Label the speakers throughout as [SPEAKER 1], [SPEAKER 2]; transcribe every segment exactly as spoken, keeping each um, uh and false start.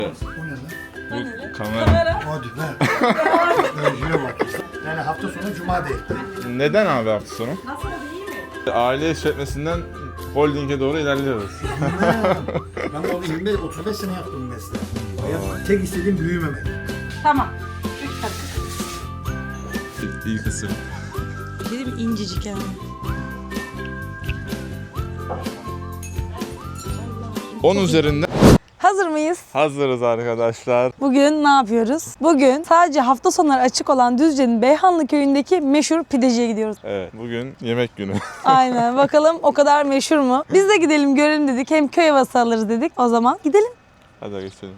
[SPEAKER 1] O ne lan?
[SPEAKER 2] Bu kamera.
[SPEAKER 1] Hadi be. Özüye bak. Yani hafta sonu cuma değil.
[SPEAKER 2] Neden abi hafta sonu?
[SPEAKER 3] Nasıl iyi mi?
[SPEAKER 2] Aile işletmesinden holdinge doğru ilerliyoruz.
[SPEAKER 1] Ben orada yirmi beş otuz beş sene yaptım mesleği. Hayat tek istediğim büyümemek.
[SPEAKER 3] Tamam. Üç kaşık.
[SPEAKER 2] İyi kısım.
[SPEAKER 4] Dedim incecik yani.
[SPEAKER 2] on üzerinden
[SPEAKER 4] Hazır mıyız?
[SPEAKER 2] hazırız arkadaşlar.
[SPEAKER 4] Bugün ne yapıyoruz? Bugün sadece hafta sonları açık olan Düzce'nin Beyhanlı köyündeki meşhur pideciye gidiyoruz.
[SPEAKER 2] Evet, bugün yemek günü.
[SPEAKER 4] Aynen, bakalım o kadar meşhur mu? Biz de gidelim görelim dedik. Hem köy havası alırız dedik. O zaman gidelim.
[SPEAKER 2] Hadi geçelim.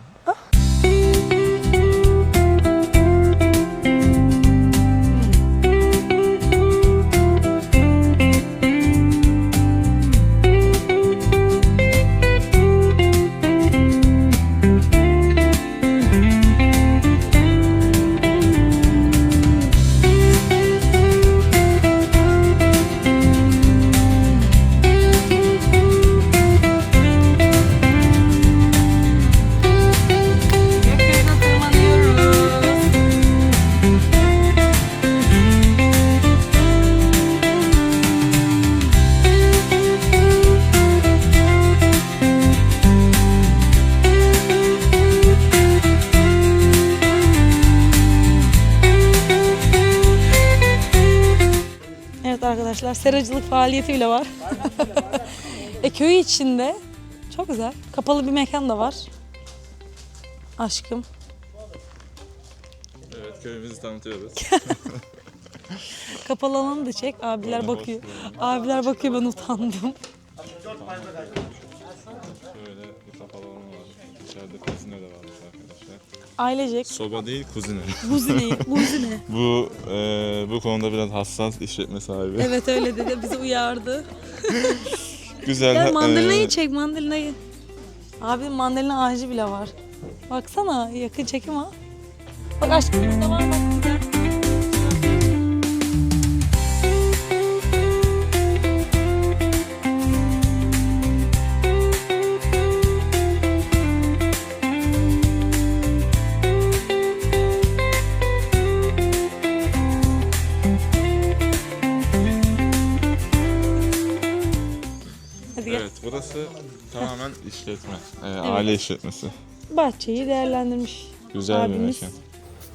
[SPEAKER 4] Gökyüzüne tırmanıyoruz. Evet arkadaşlar, seracılık faaliyeti bile var. e köy içinde çok güzel. Kapalı bir mekan da var. Aşkım.
[SPEAKER 2] Evet, köyümüzü tanıtıyoruz.
[SPEAKER 4] Kapalı alanı da çek. Abiler
[SPEAKER 2] Aynen,
[SPEAKER 4] bakıyor.
[SPEAKER 2] hoş bulduk.
[SPEAKER 4] Abiler bakıyor, ben utandım.
[SPEAKER 2] Şöyle bir kapalı alan var. İçeride kuzine de varmış arkadaşlar.
[SPEAKER 4] Ailecek.
[SPEAKER 2] Soba değil, kuzine.
[SPEAKER 4] Buzine, buzine.
[SPEAKER 2] bu e, bu konuda biraz hassas işletme sahibi.
[SPEAKER 4] Evet öyle dedi. Bizi uyardı.
[SPEAKER 2] Güzel.
[SPEAKER 4] Gel mandalinayı
[SPEAKER 2] e,
[SPEAKER 4] çek, mandalinayı. Abi mandalina ağacı bile var. Baksana, yakın çekim ha. Bak aşkım, burada var bak güzel. Hadi gel.
[SPEAKER 2] Evet, burası tamamen işletme. E, aile işletmesi.
[SPEAKER 4] Bahçeyi değerlendirmiş.
[SPEAKER 2] Güzel bir
[SPEAKER 4] Abimiz.
[SPEAKER 2] mekan.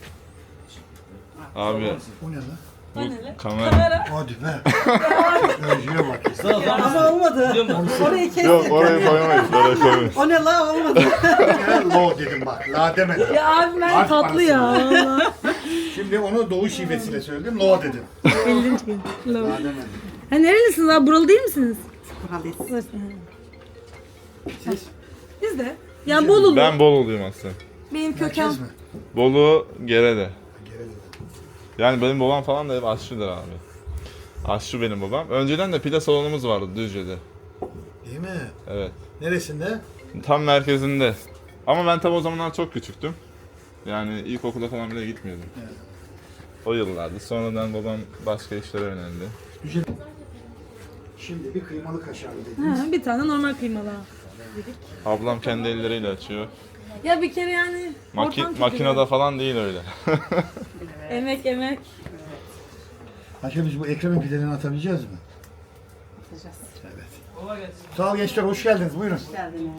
[SPEAKER 2] Abi
[SPEAKER 1] O ne lan?
[SPEAKER 2] bu kamera.
[SPEAKER 1] Hadi be. Özüye bak.
[SPEAKER 3] Ama olmadı. Orayı kes.
[SPEAKER 2] Yok, orayı koyamayız, orayı koyamayız.
[SPEAKER 3] O ne la olmadı.
[SPEAKER 1] Ben lo dedim bak. La demedim.
[SPEAKER 4] Ya abi ben
[SPEAKER 1] Harf
[SPEAKER 4] tatlı ya. Valla.
[SPEAKER 1] Şimdi onu doğu şivesiyle söyledim. Lo dedim.
[SPEAKER 4] ellinci gün.
[SPEAKER 1] La demedim.
[SPEAKER 4] Ha nerelisiniz abi? Buralı değil misiniz?
[SPEAKER 3] Buralıyız.
[SPEAKER 1] Siz?
[SPEAKER 4] Biz de. Yani Bolulu.
[SPEAKER 2] Ben Bolulu'yum aslında.
[SPEAKER 4] Benim köken.
[SPEAKER 1] Merkez mi?
[SPEAKER 2] Bolu, Gerede.
[SPEAKER 1] Gerek.
[SPEAKER 2] Yani benim babam falan da hep aşçıdır abi. Aşçı benim babam. Önceden de pide salonumuz vardı Düzce'de.
[SPEAKER 1] Değil mi?
[SPEAKER 2] Evet.
[SPEAKER 1] Neresinde?
[SPEAKER 2] Tam merkezinde. Ama ben tabi o zamanlar çok küçüktüm. Yani ilkokula falan bile gitmiyordum.
[SPEAKER 1] Evet.
[SPEAKER 2] O yıllardı. Sonradan babam başka işlere yöneldi.
[SPEAKER 1] Güzel. Şimdi bir kıymalı kaşarlı dediniz.
[SPEAKER 4] Ha, bir tane normal kıymalı.
[SPEAKER 2] Ablam kendi elleriyle açıyor.
[SPEAKER 4] Ya bir kere yani
[SPEAKER 2] Maki
[SPEAKER 4] ortam
[SPEAKER 2] makinede
[SPEAKER 4] kötü.
[SPEAKER 2] falan değil öyle.
[SPEAKER 4] Emek emek.
[SPEAKER 1] Ayşe biz bu Ekrem'in pidelerini atabileceğiz mi?
[SPEAKER 3] Atacağız.
[SPEAKER 1] Evet. Sağ ol gençler, hoş geldiniz. Buyurun.
[SPEAKER 3] Geldiniz.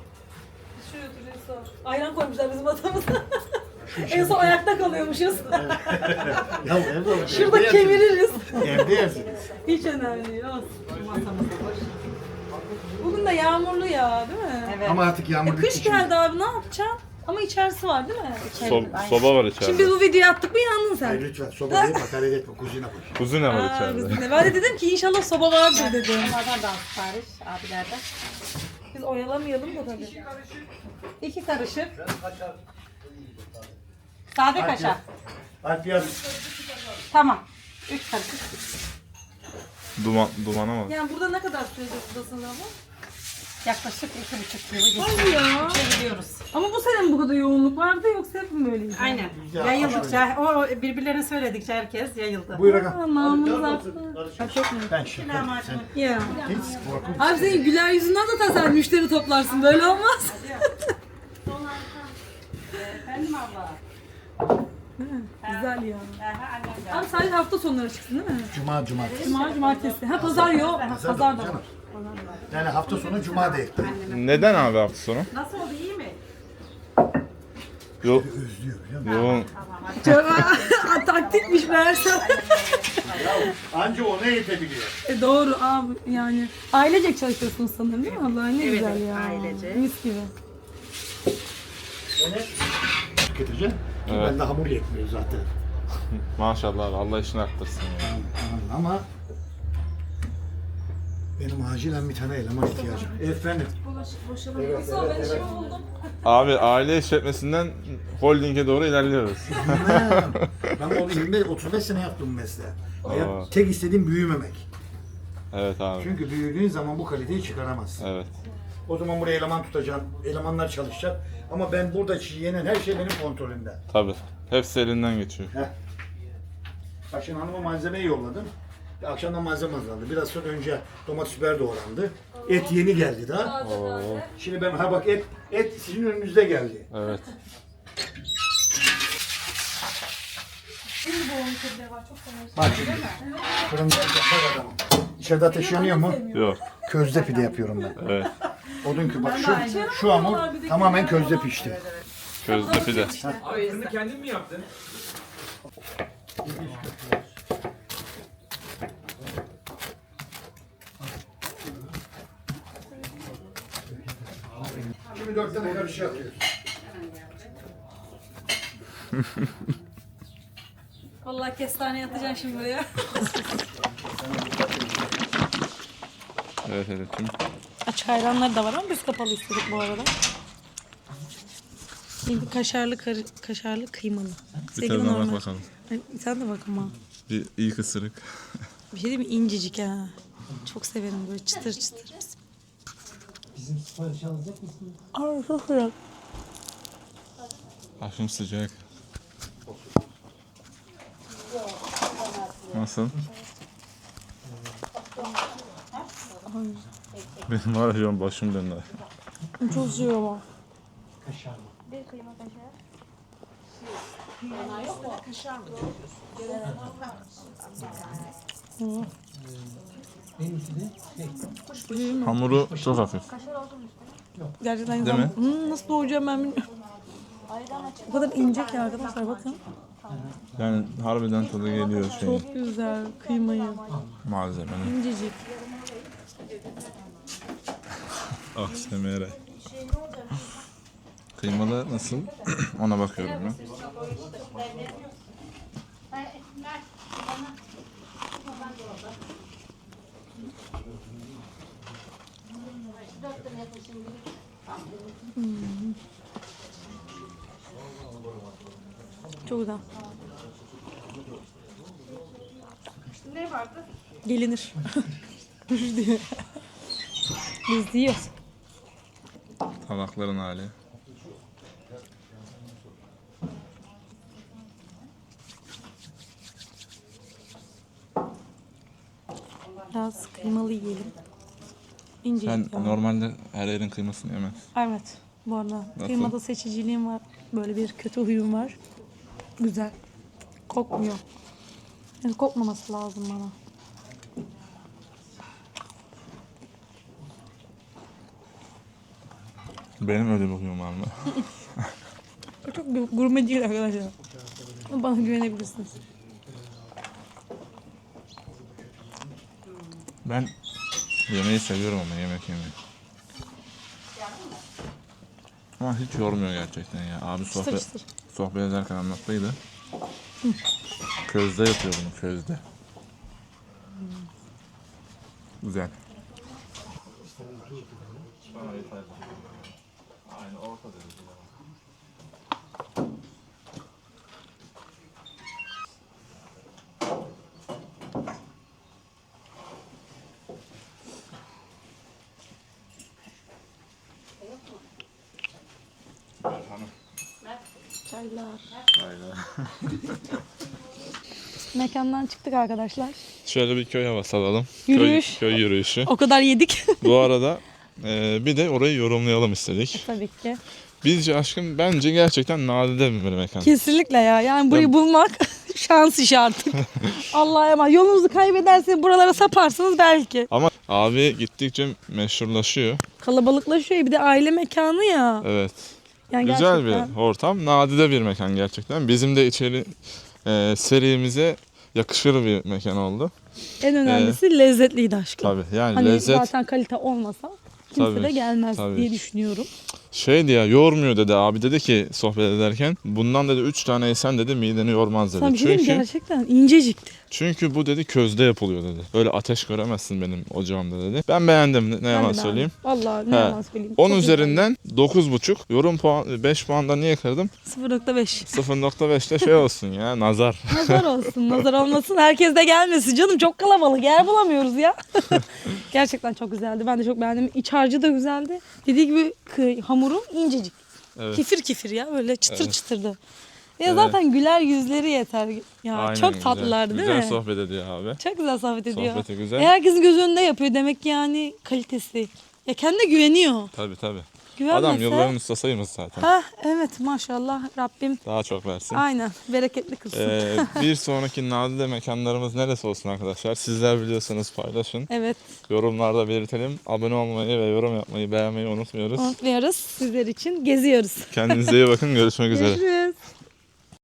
[SPEAKER 4] Ayran koymuşlar bizim masamıza. En son ayakta kalıyormuşuz.
[SPEAKER 1] Ya evde olur.
[SPEAKER 4] Şurada
[SPEAKER 1] evde yersiniz.
[SPEAKER 4] kemiririz.
[SPEAKER 1] Evde yersiniz.
[SPEAKER 4] Hiç önemli değil. Olsun.
[SPEAKER 3] Masamız da boş.
[SPEAKER 4] Bugün de yağmurlu ya, değil mi?
[SPEAKER 3] Evet.
[SPEAKER 1] Ama artık yağmur
[SPEAKER 4] E,
[SPEAKER 1] bitti
[SPEAKER 4] kış
[SPEAKER 1] şimdi.
[SPEAKER 4] geldi abi, ne yapacaksın? Ama içerisi var değil mi?
[SPEAKER 2] So- soba var içeride.
[SPEAKER 4] Şimdi biz bu videoyu attık mı yandın sen.
[SPEAKER 1] Hayır lütfen soba değil, hakaret etme, kuzine koş.
[SPEAKER 2] Kuzine var
[SPEAKER 4] Aa,
[SPEAKER 2] içeride.
[SPEAKER 4] biz de. Ben de dedim ki inşallah soba vardır dedim.
[SPEAKER 3] Onlardan da sipariş abilerden.
[SPEAKER 4] Biz oyalamayalım da tabii.
[SPEAKER 3] İki karışık. Sade kaşar.
[SPEAKER 1] Alp yaz.
[SPEAKER 3] Tamam. Üç karışık.
[SPEAKER 2] Duman, dumana bak.
[SPEAKER 4] Yani burada ne kadar sürede buradasın ama?
[SPEAKER 3] Yaklaşık iki buçuk yılı geçiyor.
[SPEAKER 4] Hadi ya.
[SPEAKER 3] Çeviriyoruz.
[SPEAKER 4] Ama bu sene mi bu kadar yoğunluk vardı yoksa hep mi böyleydi?
[SPEAKER 3] Aynen.
[SPEAKER 1] Ya,
[SPEAKER 3] Yayıldıkça, o birbirlerine söyledikçe herkes yayıldı.
[SPEAKER 1] Buyur aga.
[SPEAKER 4] Aa, namımız arttı. Ha, çok mu?
[SPEAKER 1] Ben şaka. Sen
[SPEAKER 4] Ya.
[SPEAKER 1] hiç korkma.
[SPEAKER 4] Abi senin güler yüzünden zaten sen müşteri toplarsın. Böyle olmaz.
[SPEAKER 3] Efendim abla.
[SPEAKER 4] Güzel ya.
[SPEAKER 3] Aha, annem geldi.
[SPEAKER 4] Abi sadece hafta sonları çıksın değil mi?
[SPEAKER 1] Cuma, cumartesi.
[SPEAKER 4] Cuma, cumartesi. Ha pazar yok. Ha,
[SPEAKER 1] Pazar
[SPEAKER 4] pazar da
[SPEAKER 1] canım.
[SPEAKER 4] var.
[SPEAKER 1] Yani hafta sonu cuma da ekledim.
[SPEAKER 2] Neden abi hafta sonu?
[SPEAKER 3] Nasıl oldu, iyi mi?
[SPEAKER 2] Yok.
[SPEAKER 1] Özlüyor biliyor musun?
[SPEAKER 2] Yoğun.
[SPEAKER 4] Çok taktikmiş meğerse.
[SPEAKER 1] Anca ona yetebiliyor.
[SPEAKER 4] E, doğru abi yani. Ailecek çalışıyorsunuz sanırım değil mi abla? Ne
[SPEAKER 3] Evet,
[SPEAKER 4] güzel ya.
[SPEAKER 3] ailecek.
[SPEAKER 4] Mis gibi.
[SPEAKER 1] Onu tüketeceğim.
[SPEAKER 2] Evet.
[SPEAKER 1] Ben de hamur yetmiyor zaten.
[SPEAKER 2] Maşallah abi, Allah işini arttırsın ya.
[SPEAKER 1] Ama benim acilen bir tane eleman ihtiyacım. Efendim. Evet, evet, evet.
[SPEAKER 2] Abi aile işletmesinden holdinge doğru ilerliyoruz.
[SPEAKER 1] Ben, ben o yirmi beş otuz beş sene yaptım bu mesleği. Hayat,
[SPEAKER 2] Aa.
[SPEAKER 1] tek istediğim büyümemek.
[SPEAKER 2] Evet abi.
[SPEAKER 1] Çünkü büyüdüğün zaman bu kaliteyi çıkaramazsın.
[SPEAKER 2] Evet.
[SPEAKER 1] O zaman buraya eleman tutacağım, elemanlar çalışacak. Ama ben burada yenen her şey benim kontrolümde.
[SPEAKER 2] Tabii. Hepsi elinden geçiyor.
[SPEAKER 1] Heh. Bak şimdi hanıma malzemeyi yolladım. Akşamdan malzeme hazırlandı. Biraz sonra önce domates biber doğrandı. Et yeni geldi daha.
[SPEAKER 2] Oo.
[SPEAKER 1] Şimdi ben ha bak et et sizin önünüzde geldi.
[SPEAKER 2] Evet.
[SPEAKER 1] Bak şimdi. Fırında bak adamım. İçeride ateş yanıyor mu?
[SPEAKER 2] Yok.
[SPEAKER 1] Közde pide yapıyorum ben.
[SPEAKER 2] Evet.
[SPEAKER 1] Odun ki bak şu şu hamur tamamen közde pişti.
[SPEAKER 2] Közde pide.
[SPEAKER 5] Abi fırını kendin mi yaptın?
[SPEAKER 1] Şimdi dört tane karışık yapıyoruz.
[SPEAKER 4] Vallahi kestane yatacaksın şimdi buraya.
[SPEAKER 2] Evet evet.
[SPEAKER 4] Açık ayranları da var ama biz kapalı istedik bu arada. Şimdi kaşarlı karı, kaşarlı kıymalı.
[SPEAKER 2] Bir
[SPEAKER 4] Sevgili
[SPEAKER 2] tadına bak
[SPEAKER 4] normal.
[SPEAKER 2] bakalım.
[SPEAKER 4] Ay, sen de bak ama.
[SPEAKER 2] Bir ilk ısırık.
[SPEAKER 4] Bir şey değil mi? İncecik ha. Çok severim böyle çıtır çıtır.
[SPEAKER 1] Bizim sipariş alacak mısın?
[SPEAKER 4] Ay çok sıcak.
[SPEAKER 2] Aşım sıcak. Nasıl? Benim var ya şu an başım döndü.
[SPEAKER 4] Çok sıcak ama.
[SPEAKER 1] Kaşar mı? Benimki de şey.
[SPEAKER 2] Hamuru çok hafif.
[SPEAKER 4] Gerçekten
[SPEAKER 2] Değil
[SPEAKER 4] güzel.
[SPEAKER 2] mi?
[SPEAKER 4] Hmm, nasıl doğuracağım ben bilmiyorum. O kadar ince ki arkadaşlar bakın.
[SPEAKER 2] Yani harbiden tadı geliyor şeyin,
[SPEAKER 4] Çok güzel kıymayı.
[SPEAKER 2] malzemenin.
[SPEAKER 4] İncecik.
[SPEAKER 2] Ah semere. Kıymalı nasıl? Ona bakıyorum ben.
[SPEAKER 4] Çok güzel.
[SPEAKER 3] Ne vardı?
[SPEAKER 4] Gelinir. diyor. Biz yiyoruz.
[SPEAKER 2] Tabakların hali.
[SPEAKER 4] Biraz kıymalı yiyelim. İncecik
[SPEAKER 2] Sen
[SPEAKER 4] ya.
[SPEAKER 2] normalde her yerin kıymasını yemez.
[SPEAKER 4] Evet. Bu arada
[SPEAKER 2] Nasıl?
[SPEAKER 4] kıymada seçiciliğim var. Böyle bir kötü huyum var. Güzel. Kokmuyor. Yani kokmaması lazım bana.
[SPEAKER 2] Benim öyle bir huyum var mı?
[SPEAKER 4] Çok bir gurme değil arkadaşlar. Ama bana güvenebilirsiniz.
[SPEAKER 2] Ben yemeği seviyorum ama yemek yemeyi. Ama hiç yormuyor gerçekten ya. Abi
[SPEAKER 4] Çıtır
[SPEAKER 2] sohbet,
[SPEAKER 4] çıtır.
[SPEAKER 2] sohbet ederken anlattıydı. Közde yapıyor bunu, közde. Güzel. Aynı orta derece.
[SPEAKER 4] Çaylar.
[SPEAKER 2] Aynen.
[SPEAKER 4] Mekandan çıktık arkadaşlar.
[SPEAKER 2] Şöyle bir köy havası alalım.
[SPEAKER 4] Yürüyüş.
[SPEAKER 2] Köy, köy yürüyüşü.
[SPEAKER 4] O kadar yedik.
[SPEAKER 2] Bu arada e, bir de orayı yorumlayalım istedik.
[SPEAKER 4] Tabii ki.
[SPEAKER 2] Bizce aşkım bence gerçekten nadide bir mekan.
[SPEAKER 4] Kesinlikle ya. Yani burayı
[SPEAKER 2] Ya-
[SPEAKER 4] bulmak şans işi artık. Allah'a emanet. Yolunuzu kaybederseniz buralara saparsınız belki.
[SPEAKER 2] Ama abi gittikçe meşhurlaşıyor.
[SPEAKER 4] Kalabalıklaşıyor. Bir de aile mekanı ya.
[SPEAKER 2] Evet.
[SPEAKER 4] Yani
[SPEAKER 2] Güzel
[SPEAKER 4] gerçekten.
[SPEAKER 2] bir ortam. Nadide bir mekan gerçekten. Bizim de içeri e, serimize yakışır bir mekan oldu.
[SPEAKER 4] En önemlisi lezzetliydi aşkım.
[SPEAKER 2] Tabii yani
[SPEAKER 4] Hani
[SPEAKER 2] lezzet
[SPEAKER 4] zaten kalite olmasa kimse
[SPEAKER 2] Tabii,
[SPEAKER 4] de gelmez
[SPEAKER 2] tabii.
[SPEAKER 4] diye düşünüyorum.
[SPEAKER 2] şeydi ya, yormuyor dedi abi, dedi ki sohbet ederken. Bundan dedi üç tane yesen dedi mideni yormaz dedi.
[SPEAKER 4] Sana bir şey diyeyim mi?
[SPEAKER 2] Çünkü
[SPEAKER 4] Gerçekten incecikti.
[SPEAKER 2] çünkü bu dedi közde yapılıyor dedi. Böyle ateş göremezsin benim ocağımda dedi. Ben beğendim, ne, ne yalan
[SPEAKER 4] Ben de
[SPEAKER 2] söyleyeyim.
[SPEAKER 4] beğendim. Vallahi ne
[SPEAKER 2] He.
[SPEAKER 4] yalan söyleyeyim.
[SPEAKER 2] on
[SPEAKER 4] Çok
[SPEAKER 2] üzerinden dokuz buçuk. Yorum puan beş puandan niye kırdım?
[SPEAKER 4] güzel. sıfır nokta beş.
[SPEAKER 2] sıfır nokta beşte şey olsun ya, nazar.
[SPEAKER 4] Nazar olsun, nazar olmasın. Herkes de gelmesin canım. Çok kalabalık. Yer bulamıyoruz ya. Gerçekten çok güzeldi. Ben de çok beğendim. İç harcı da güzeldi. Dediği gibi kı- hamuru incecik.
[SPEAKER 2] Evet.
[SPEAKER 4] Kifir kifir ya. Böyle çıtır
[SPEAKER 2] Evet.
[SPEAKER 4] çıtırdı. Ya
[SPEAKER 2] Evet.
[SPEAKER 4] zaten güler yüzleri yeter. Ya
[SPEAKER 2] Aynen,
[SPEAKER 4] çok
[SPEAKER 2] güzel.
[SPEAKER 4] tatlılardı değil
[SPEAKER 2] Güzel
[SPEAKER 4] mi?
[SPEAKER 2] sohbet ediyor abi.
[SPEAKER 4] Çok güzel sohbet ediyor.
[SPEAKER 2] Sohbeti güzel.
[SPEAKER 4] E, herkesin göz önünde yapıyor. Demek ki yani kalitesi. Ya kendine güveniyor.
[SPEAKER 2] Tabii tabii.
[SPEAKER 4] Güvenmese...
[SPEAKER 2] Adam yılların ustasıymış zaten.
[SPEAKER 4] Ha evet maşallah Rabbim
[SPEAKER 2] Daha çok versin.
[SPEAKER 4] aynen bereketli kılsın.
[SPEAKER 2] Ee, bir sonraki nadide mekanlarımız neresi olsun arkadaşlar? Sizler biliyorsanız paylaşın.
[SPEAKER 4] Evet
[SPEAKER 2] Yorumlarda belirtelim. Abone olmayı ve yorum yapmayı, beğenmeyi unutmuyoruz.
[SPEAKER 4] unutmuyoruz. Sizler için geziyoruz.
[SPEAKER 2] Kendinize iyi bakın. Görüşmek üzere.
[SPEAKER 4] Görüşürüz.